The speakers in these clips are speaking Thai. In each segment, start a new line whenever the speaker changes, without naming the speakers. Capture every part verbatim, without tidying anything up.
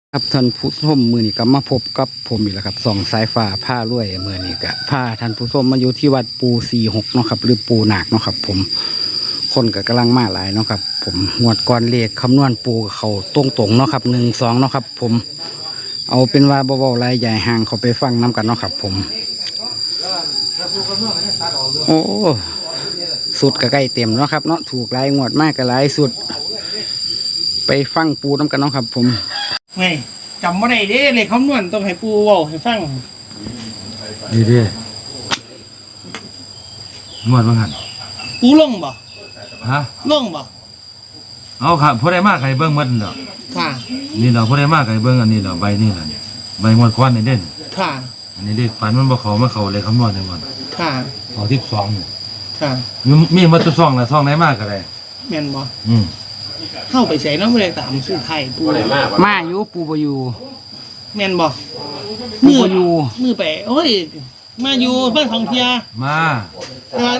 ครับท่านผู้ชมมือนี้ก็มาพบกับผมอีกแล้วครับส่องสายฟ้าผ้ารวยมือนี้ก็ผ้าท่านผู้ชมมาอยู่ที่วัดปูสี่หกเนาะครับหรือปูหนักเนาะครับผมคนก็กำลังมาหลายเนาะครับผมงวดก่อนเลขคำนวณปูเขาตรงตรงเนาะครับหนึ่งสองเนาะครับผมเอาเป็นว่าเบาๆลายใหญ่ห่างเขาไปฟังน้ำกันเนาะครับผมโอ้สุดก็ใกล้เต็มเนาะครับเนาะถูกลายงวดมากก็ลายสุดไปฟังปูน้ำกันเนาะครับผม
ไงจำไม่ได้เด้เลยคำนวณต้องให้ปูเว้าให้ฟัง
ดีดีงวดว่าหัน
ปูลงบ่
ฮะ
ลงบ่
เอาค่ะพอได้มากใครเบิ้งมัดเนาะ
ค่ะ
นี่เราพอได้มากใครเบิ้งอันนี้เราใบนี่แหละใบงวดควันนี่เด่น
ค่ะ
อันนี้เด็กฝันมันบ่เขามาเขาเลยคำนวณในวัน
ค่ะ
เขาทิพสอง
ค่ะ
มีมีมาตัวซองแหละซองไหนมากก็ได้
แม่นบ่
อืม
เข้าไปใส่น้ำเลยตามซื้อไทยปู
มาอยู่ปูบอยู่
แม่นบ่
มืออยู่
มือไปโอ้ยมาอยู่บ้านทองเทีย
มา
มา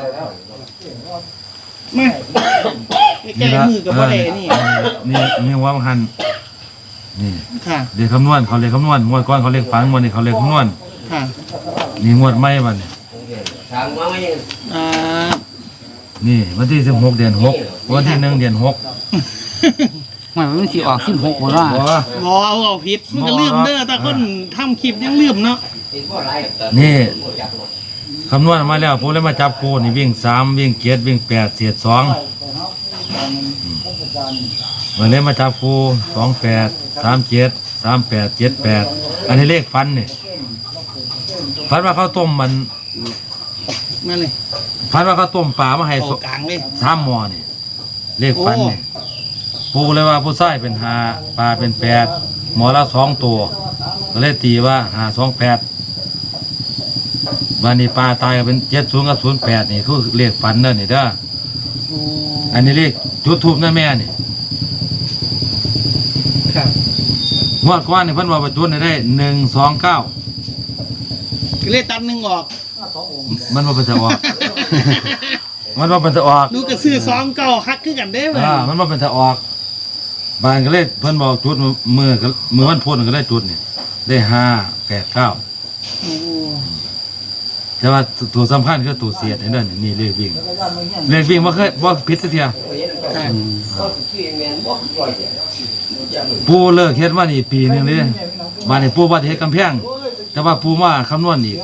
มาแก้มือกับบ่ได้นี่
นี่นี่ว่ามันหันนี่
ค่ะ
เรียกคำนวณเขาเรียกคำนวณงวดก้อนเขาเรียกฝันงวดนี้เขาเรียกคำนวณ
ค่ะ
นี่งวดไม่บัดนี่
อ่า
นี่วันที่สิบหกเดือนหกวันที่หนึ่งเดือนหก
มันมันสิออกสิบหกบ่ล่ะ
บ่เอาเอาผิดมันก็ลืมเด้อแต่คนทำคลิปยังลืมเนาะ
นี่คำนวณมาแล้วผมเลยมาจับโคนี่วิ่งสามวิ่งเกียรวิ่งแปดเสียดสองมาเลยมาจับโคสองแปดสามเจ็ดสามแปดเจ็ดแปดอันนี้เลขฟันนี่ฟันว่าข้าวต้มมัน
นั่นเลย
ฟันว่าข้าวต้มปลามาให้
กลางเลย
สามหม้อนี่เลขฟันนี่ปูเลยว่าผู้ชายเป็นห้าปลาเป็นแปดหมอละสองตัวก็เลยตีว่าห้าสองแปดวันนี้ปลาตายก็เป็นเจ็ดศูนย์กับศูนย์แปดนี่คือเลขฟันเด้อนี่เด้ออันนี้เลขจุดทูบนั่นแม่นี่
ครับ
งวดก้อนนี่เพิ่นว่าประจุได้หนึ่งสองเก้า
เลขตัดหนึ่งออก
มันว่าเป็นจะออกมันว่าเป็นจะออก
ดูกระซื้อสองเก้าฮักขึ้นกันได้ไหม
อ่ามันว่าเป็นจะออกบานก็เลยเพิ่นบอกจุดมือมือวันพุธก็ได้จุดนี่ได้ห้าแปดเก้าแต่ว่าตัวสำคัญคือตัวเสียดนี่เด้อนี่เลขวิ่งเลขวิ่งบ่เคยบ่ผิดสักเทียปูเลิกเฮ็ดมานี่ปีนึงเลยบานนี้ปูว่าเฮ็ดกำแพงแต่ว่าปูมาคำนวณอีก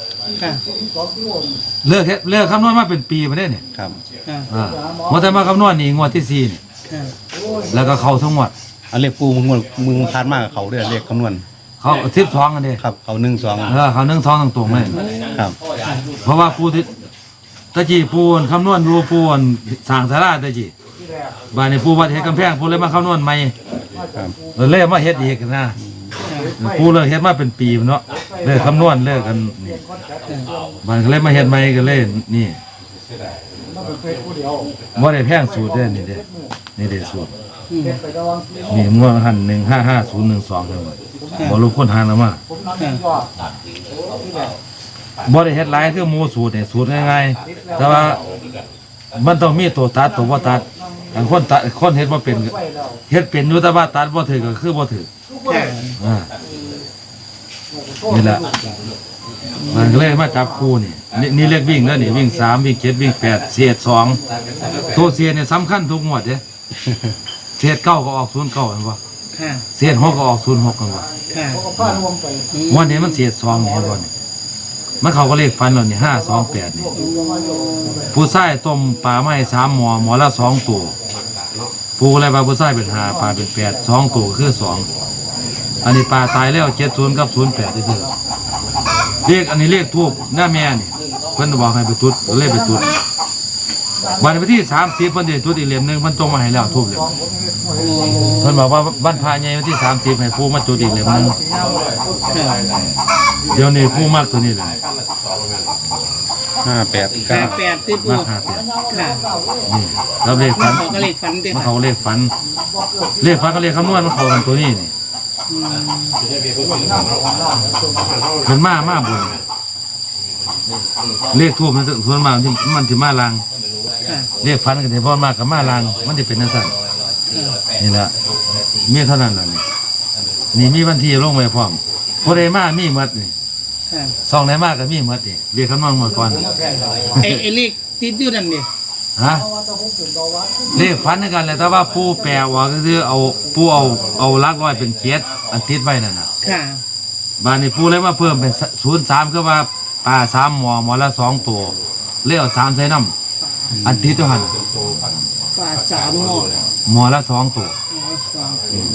เลิกเฮ็ดเลิกคำนวณมาเป็นปีมาได้เนี่ย
ครับ
อ่าว่าแต่มาคำนวณนี่งวดที่สี่นี่แล้วก็เข้าทั้งหมด
อันเลขปูมึงมึงพานมากกับเขาด้วยเลขคำนวณ
เขาสิบสองกันดิ
ครับเขาหนึ่งสอง
เออเขาหนึ่งสองตรงๆเลย
ครับ
เพราะว่าปูที่ตะกี้ปูนคำนวณดูปูนสร้างสาราตะกี้บ้านในปูวัดเฮ็ดกำแพงปูเลยมาคำนวณใหม่เลยมาเฮ็ดอีกนะปูเลยเฮ็ดมาเป็นปีเนาะเลยคำนวณเลิกกันนี่บ้านก็เลยมาเฮ็ดใหม่ก็เลยนี่ว่าได้แพงสูตรเด้นี่เด้นี่เด้สูตรนี่งวดหันหนึ่งห้าห้าศูนย์หนึ่งสองเลยบอลูกคนหางแล้วมาบ่ได้เฮ็ดหลายคือหมูสูตรเนี่ยสูตรง่ายๆแต่ว่ามันต้องมีตัวตัดตัวบ่ตัดบางคนตัดคนเฮ็ดบ่เป็นเฮ็ดเป็นอยู่แต่ว่าตัดบ่ถือก็คือบ่ถืออ่านี่แหละมันก็เลยมาจับคู่นี่นี่เลขวิ่งแล้วนี่วิ่งสามวิ่งเจ็ดวิ่งแปดเศษสองตัวเศษเนี่ยสำคัญทุกงวดเด้เศษเก้าก็ออกศูนย์เก้าเห็นป่ะเศษหกก็ออกศูนย์หกกันป่ะวันนี้มันเศษสองนี่เห็นป่ะนี่มันเขาก็เลขฟันเราเนี่ยห้าสองแปดนี่ผู้ชายต้มปลาไม้สามหมอหมอละสองตัวผู้อะไรปลาผู้ชายเป็นห้าปลาเป็นแปดสองตัวคือสองอันนี้ปลาตายแล้วเจ็ดศูนย์กับศูนย์แปดที่สุดเรียกอันนี้เรียกทูบหน้าแม่นี่เพิ่นบอกให้ไปจุดเลขไปจุดวันที่สามสิบเพิ่นจะจุดอีกเหลี่ยมหนึ่งเพิ่นตรงมาให้แล้วทูบเลยเพิ่นบอกว่าบ้านพาใหญ่วันที่สามสิบให้ผู้มาจุดอีกเหลี่ยมหนึ่งเดี๋ยวนี้ผู้มากตัวนี้เลย
ห้าแปด
เก้าแปดติดมาก
ห้าแปด
ค่ะ
นี่เราเลขฝัน
เขาก็เลขฝันเด็ด
เขาเลขฝันเลขฝันก็เลขคำนวณมันเข้ากันตัวนี้นี่เป็นมามาบุญเลขทูบมันส่วนมากมันจะมาลังเลขฝันกันเฉพาะมากกับมาลังมันจะเป็นนั่นสั่นนี่แหละมีเท่านั้นแหละนี่นี่มีวันที่ลงไว้พร้อมผู้ใดมามีหมดนี่
ค่ะ
ซองไหนมาก็มีหมดนี่เรียกคำนวณหมดก่อน
ไอ้ไอ้เลขติดอยู่นั่นนี่
ฮะเลขฝันด้วยกันเลยแต่ว่าปูแปลว่าก็คือเอาปูเอาเอาหลักร้อยเป็นเกียรติอันติดไว้นั่นน่ะ
ค่ะ
บานนี้ปูเลยมาเพิ่มเป็นศูนย์สามคือว่าปลาสามหมอหมอละสองตัวเลี้ยวสามใส่น้ำอันติดตัวหัน
ปลาสามหม้อ
หมอละสองตัว
สอง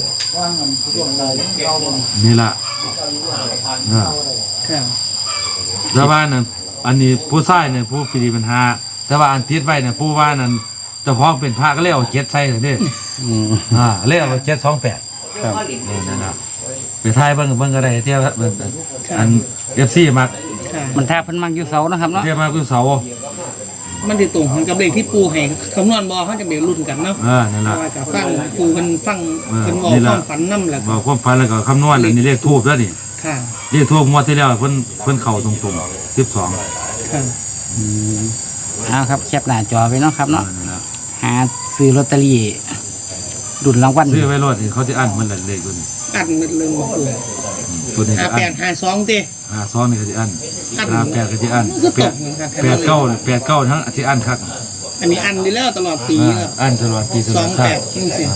นี่ล่ะเออ
ค่ะ
แต่ว่านั่นอันนี้ผู้ชายเนี่ยผู้ปีปัญหาแต่ว่าอันติดไว้เนี่ยผู้ว่านั่นเจ้าของเป็นพระก็เลี้ยวเจ็ดใส่เลยเด้
อืม
อ่าเลี้ยวเจ็ดสองแปด
ครับ
นี่นั่นนะไปทายเบิ่งเบิ่งก็ได้เที่ยวเบิ่งอันเอฟซีมัก
ค่ะ
มันแทบเพิ่นมักอยู่เสานะครับเนาะ
เที่ยวมาคือเสา
มันติดตรงกับเลขที่ปูให้คำนวณบอเขาจะเดี๋ยวรุ่นกันเนาะ
เออนั่น
เพ
ล่ะ
ราะว่ากับฟังปูมันฟัง
เออ
เป็นบอก
นี่
ค
ล่ะ
วามฝันน้ำแหละ
บอกความฝันแล้วก็คำนวณอันนี้เลขทูบแล้วนี่
ค่ะ
เลขทูบงวดที่แล้วเพิ่นเพิ่นเข้าตรงๆสิบสอง
ค่ะ
อืมเอาครับแคปหน้าจอไว้เนาะครับเนาะ
นั่นล่ะ
หาซื้อลอตเตอรี่ดุลรางวัล
ซื้อไว้รถนี่เขาจะอั้นมันละเลขตัวนี้
อัดมันเลยบอกปู
อืมตัวนี้
ห้า
จะ
แป
อั้
ด
น
ห้าสองเต้
อ่าซ้อนนี่ก็จะอั้น
อั้น
อ่าแปดก็จะอั้น
มันก็
แป
ต
ด
กเหมือนกัน
แปดเก้าแปดเก้าทั้งที่อั้นคัก
อันนี้อันดีแล้วตลอดปี
อ่า
แล้ว
อั้นตลอดปีต
ส
ล
อ
อด
ง
ชา
แป
ติ
ดนี่สิ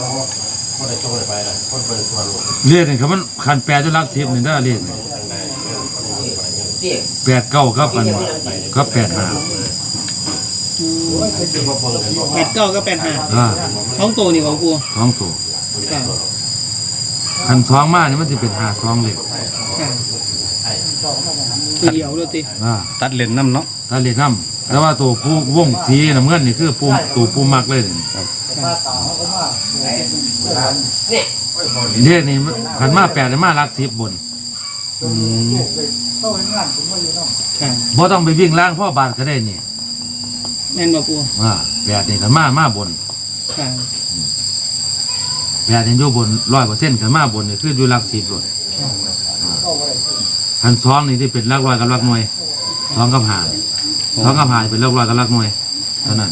เรียกนี่ครับมันคันแปดจนรักสิบนี่ได้อเรียกนี่แปดเก้าครับอันครับแปดห้า
แปดเก้าก็แปดห้า
อ่า
ท้องโตนี่ของปู
สองตัว
ค่ะ
คันสองมานี่มันจะเป็นห้าสองเลย
ค่ะตัวเดียวเลยติ
อ่า
ตัดเลนน้ำเนาะ
ถ้าเรียกน้ำแต่ว่าตัวผู้วงสีน้ำเงินนี่คือผู้ตัวผู้มักเลยนี่เรียกนี่ขันมาแปดเลยมารักสิบบน
อืม
ค่ะ
บ่ต้องไปวิ่งล่างพ่อบาทก็ได้นี่
แม่นบ่ปู
อ่าแปดนี่ขันมามาบน
ค่ะ
แปดนี่อยู่บนร้อยเปอร์เซ็นต์ขันมาบนนี่คืออยู่รักสิบเลยขันสองนี่ที่เป็นรักร้อยกับรักหน่วยสองกับหาสองกับหาเป็นรักร้อยกับรักหน่วยเท่านั้น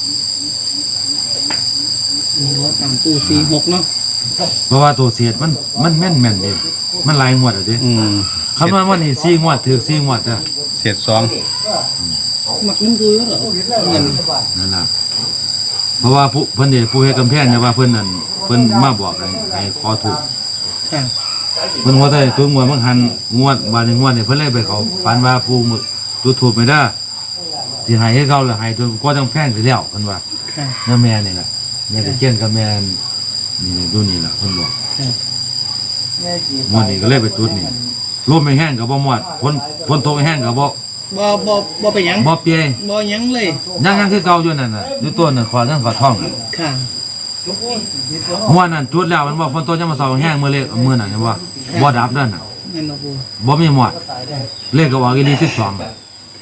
นี่ว่าตามปูสี่หกเนาะ
เพราะว่าตัวเสียดมันมันแม่นแม่นเด้มันหลายงวดอ่ะเด้
อืม
คำนวณว่านี่สี่งวดถือสี่งวดอ่ะ
เศษสอง
มักน้ำปูแล้วเหรอเงิน
นั่นล่ะเพราะว่าผู้เพิ่นเดผู้เฮ็ดกำแพงเนี่ยว่าเพิ่นนั่นเพิ่นมาบอกให้ให้ขอถูก
ค่ะ
เพิ่นว่าได้ตัวงวดบางหันงวดบาดนี้งวดนี่เพิ่นเลยไปเขาฝันว่าผู้มือจุดถูกไม่ได้สิให้ให้เขาแล้วให้จนกว่าต้องแพงสิแล้วเพิ่นว่า
ค่ะ
น้าแม่นี่ล่ะแม่ตะเคียนกับแม่นี่ดูนี่ล่ะเพิ่นบอก
ค่ะ
งวดนี้ก็เลยไปจุดนี่ลมไม่แห้งก็บ่หมดฝนฝนตกไม่แห้งก็บ่
บ่บ่บ่ไปหยัง
บ่เปีย
บ่หยังเลย
ยังยังคือเก่าอยู่นั่นน่ะอยู่ต้นน่ะขอทั้งขอท้องน่ะ
ค่ะ
หัวนั่นจุดแล้วมันบอกฝนตกยังมาเสาแห้งมือเล็กมือนั่นเห็นบ่บ่ดับนั่นน่ะ
แม่นบ่ปู
บ่มีหมอดเลขก็ว่าอีหลีสิบสอง
ค่ะ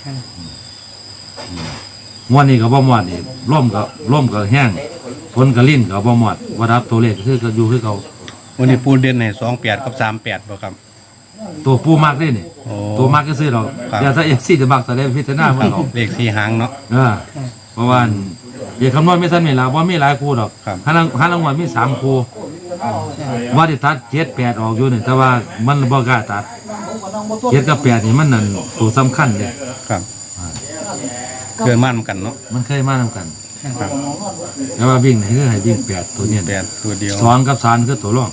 หัวนี่ก็บ่หมอดนี่ร่มก็ร่มก็แห้งฝนก็ลิ้นก็บ่หมอดบ่ดับตัวเลขคือก็อยู่คือเก่า
วันนี้ปูเด่นในสองแปดกับสามแปดบ่ครับ
ตัวปูมักนี่นี่
โอ้
ตัวมักก็ซื้อดอก
ครับ
อย่าถ้า เอฟ ซี จะมักแต่ได้พิจารณาเพิ่นเอา
เลขสี่หางเนาะ
เออเพราะว่าเดี๋ยวคำนวณไม่ทันนี่ล่ะบ่มีหลายคู่ดอก
ครับ
หาลังหาลังวัลมีสามคู่ว่าได้ตัดเจ็ดแปดออกอยู่นี่แต่ว่ามันบ่กล้าตัดเจ็ดกับแปดนี่มันนั่นตัวสำคัญเด้
ครับเกินมั่นกันเนาะ
มันเคยมานำกัน
ครับ
แต่ว่าวิ่งนี่คือให้วิ่งแปดตัวเนี้
แปดตัวเดียว
สองกับสามคือตัวรอง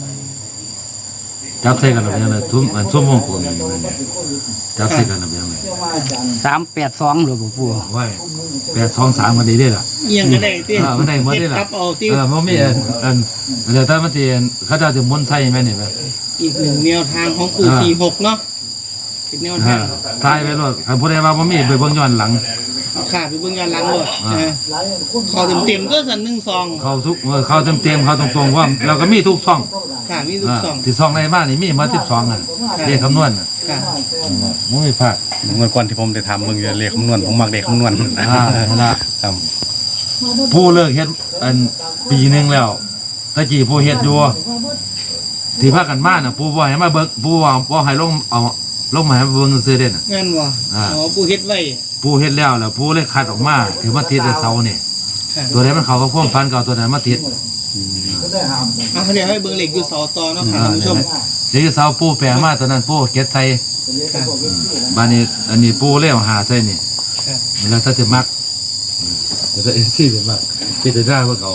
จับใส่กันแบบนี้เลยทุ่มอันทุ่มวงกลมนี่มันจับใส่กันแบบนี้เลย
สามแปดสองหรือเปล่าปู่
ไว้แปดสองสามมันดีได้ล่ะ
เอียงก็ได้ติ
เออมันได้หมดได้ล่ะ
เฮ็กลับเอาที่
เออมันมีอันอันเดี๋ยวถ้ามันตีเขาจะถึงมนต์ใส่ไหมนี่ไหม
อีกหนึ่งแนวทางของปู
อ่า
สี่หกเนาะเป็นแนว
อ่า
ทาง
ตายไปรถใครพูดได้ว่ามันมีไปเบิ่งย้อนหลัง
เอาขาไปเบิ่งย้อนหลังโลด
อ่า
นะขอเต็มๆก็สันหนึ่งซอง
เขาทุกเออเขาเต็มเต็มๆเขาตรงๆว่าเราก็มีทุกช่อง
ค่ะมีทุก
อ่า
ซอง
ที่ช่องในบ้านนี่มีมาสิบสองอ่ะเรียกคำนวณอ่ะ
ค่ะ
มันไม่พลาด
เมื่อก่อนที่ผมได้ทำมึงจะเลขคำนวณผมมักเลขคำนวณ
อ่านั่นล่ะ
ครับ
ผู้เลิกเฮ็ดอันปีหนึงแล้วตะกี้ผู้เฮ็ดอยู่ที่พากันมาน่ะผู้บ่ให้มาเบิ่งผู้ว่าบ่ให้ลงเอาลงมาให้เบิ่งซื่อๆเด้น่ะ
งั้นวะ
อ่า
อ๋อปูเฮ็ดไว้
ผู้เฮ็ดแล้วแล้วผู้เลยคัดออกมาถือมาติดในเสานี่
ค่ะ
ตัวไหนมันเข้ากับความฝันเก่าตัวไหนมาติด
อ่ะเดี๋ยวให้เบิ่งเหล็กอยู่เสาต่อเนาะค่ะท่านผู้ชม
เดี๋ยวเสาปูแปลมาตอนนั้นปูเก็ตใส่
ค่ะ
บ้านนี้อันนี้ปูเลี้ยวหาใส่นี่
ค่ะ
แล้วถ้าจะมักเดี๋ยวจะเอ็นซี่จะมักพี่จะได้ว่าเขา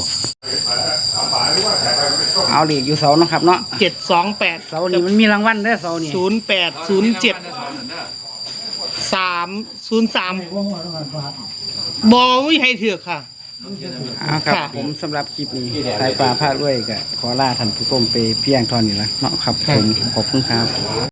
เอาเหล็กอยู่เสาเนาะครับเนาะ
เจ็ดสองแปด
เสานี่มันมีรางวัลเด้อเสานี่
ศูนย์แปดศูนย์เจ็ดสามศูนย์สามบอไม่ให้เถือกค่ะ
เอาครับ
ค่ะ
ผมสำหรับคลิปนี้สายฟ้าพาด้วยก็ขอลาท่านผู้ชมไปเพียงเท่านี้ละเนาะครับผมขอบคุณครับ